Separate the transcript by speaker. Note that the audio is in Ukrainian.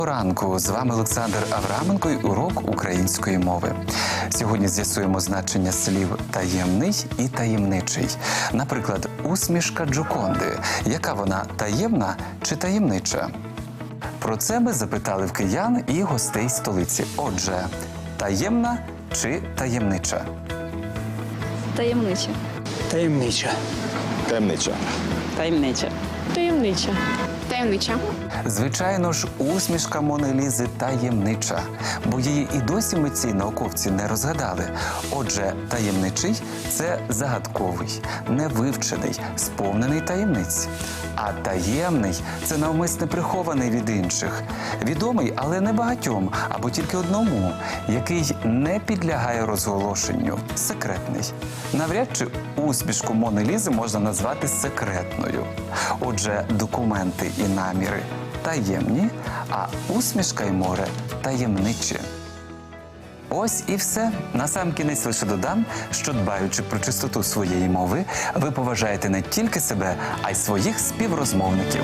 Speaker 1: Ранку, з вами Олександр Авраменко і урок української мови. Сьогодні з'ясуємо значення слів «таємний» і «таємничий». Наприклад, усмішка Джоконди. Яка вона, таємна чи таємнича? Про це ми запитали в киян і гостей столиці. Отже, таємна чи таємнича?
Speaker 2: Таємнича.
Speaker 3: Таємнича.
Speaker 4: Таємнича.
Speaker 2: Таємнича.
Speaker 5: Таємнича. Таємнича.
Speaker 1: Звичайно ж, усмішка Мони Лізи таємнича, бо її і досі митці й науковці не розгадали. Отже, таємничий – це загадковий, невивчений, сповнений таємниць. А таємний – це навмисне прихований від інших, відомий, але не багатьом, або тільки одному, який не підлягає розголошенню, секретний. Навряд чи усмішку Мони Лізи можна назвати секретною. Отже, документи і наміри таємні, а усмішка й море таємничі. Ось і все. Насамкінець лише додам, що дбаючи про чистоту своєї мови, ви поважаєте не тільки себе, а й своїх співрозмовників.